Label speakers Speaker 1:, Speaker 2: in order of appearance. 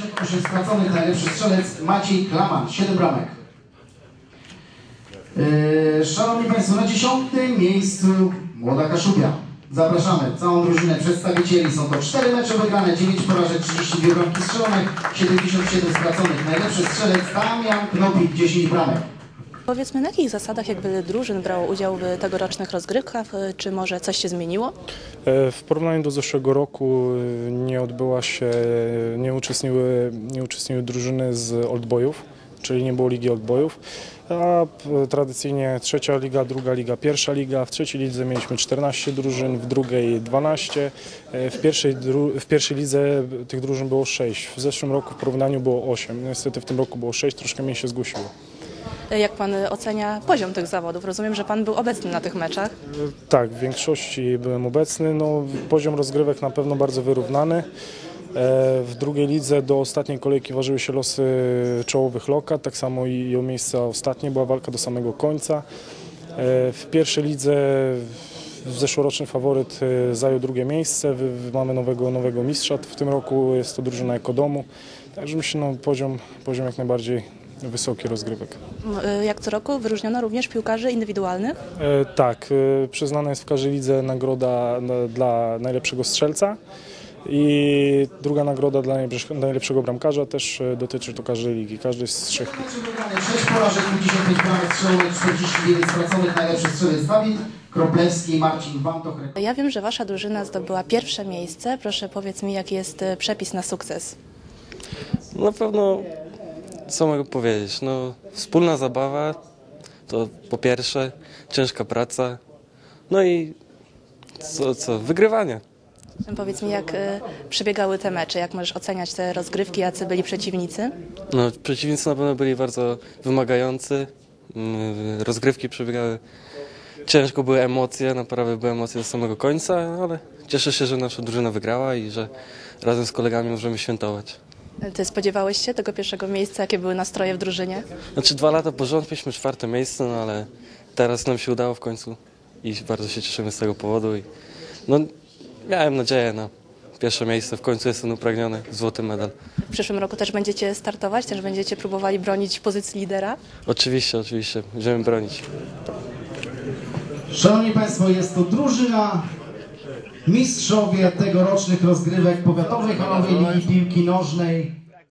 Speaker 1: 8 straconych, najlepszy strzelec Maciej Klaman, 7 bramek. Szanowni Państwo, na 10. miejscu Młoda Kaszubia. Zapraszamy całą drużynę przedstawicieli. Są to 4 mecze wygrane, 9 porażek, 32 bramki strzelone, 77 straconych. Najlepszy strzelec Damian Knopik, 10 bramek.
Speaker 2: Powiedzmy, na jakich zasadach jakby drużyn brało udział w tegorocznych rozgrywkach? Czy może coś się zmieniło?
Speaker 3: W porównaniu do zeszłego roku nie uczestniczyły drużyny z Oldboyów, czyli nie było Ligi Oldboyów, a tradycyjnie trzecia liga, druga liga, pierwsza liga. W trzeciej lidze mieliśmy 14 drużyn, w drugiej 12. W pierwszej lidze tych drużyn było 6. W zeszłym roku w porównaniu było 8. Niestety w tym roku było 6, troszkę mniej się zgłosiło.
Speaker 2: Jak Pan ocenia poziom tych zawodów? Rozumiem, że Pan był obecny na tych meczach.
Speaker 3: Tak, w większości byłem obecny. No, poziom rozgrywek na pewno bardzo wyrównany. W drugiej lidze do ostatniej kolejki ważyły się losy czołowych lokat, tak samo i o miejsca ostatnie, była walka do samego końca. W pierwszej lidze zeszłoroczny faworyt zajął drugie miejsce, mamy nowego mistrza w tym roku, jest to drużyna Ekodomu, także myślę, no, poziom jak najbardziej wysoki rozgrywek.
Speaker 2: Jak co roku wyróżniono również piłkarzy indywidualnych?
Speaker 3: Tak, przyznana jest w każdej lidze nagroda dla najlepszego strzelca. I druga nagroda dla najlepszego bramkarza też dotyczy to każdej ligi, każdej z 3 lig.
Speaker 1: 6 porażek, 55 bramek strzelonych, 49 straconych, najlepszy strzelec Dawid Kroplewski i Marcin Wantoch.
Speaker 2: Ja wiem, że Wasza drużyna zdobyła pierwsze miejsce. Proszę, powiedz mi, jaki jest przepis na sukces?
Speaker 4: Na pewno, co mogę powiedzieć, no, wspólna zabawa, to po pierwsze, ciężka praca, no i wygrywanie.
Speaker 2: Powiedz mi, jak przebiegały te mecze, jak możesz oceniać te rozgrywki, jacy byli przeciwnicy?
Speaker 4: No, przeciwnicy na pewno byli bardzo wymagający, rozgrywki przebiegały ciężko, były emocje, naprawdę były emocje do samego końca, ale cieszę się, że nasza drużyna wygrała i że razem z kolegami możemy świętować.
Speaker 2: Ty spodziewałeś się tego pierwszego miejsca? Jakie były nastroje w drużynie?
Speaker 4: Znaczy 2 lata po rząd mieliśmy 4. miejsce, no ale teraz nam się udało w końcu i bardzo się cieszymy z tego powodu. I, no, miałem nadzieję na pierwsze miejsce, w końcu jestem upragniony, złoty medal.
Speaker 2: W przyszłym roku też będziecie startować? Też będziecie próbowali bronić pozycji lidera?
Speaker 4: Oczywiście, będziemy bronić.
Speaker 1: Szanowni Państwo, jest to drużyna mistrzowie tegorocznych rozgrywek powiatowej halowej Ligi Piłki Nożnej.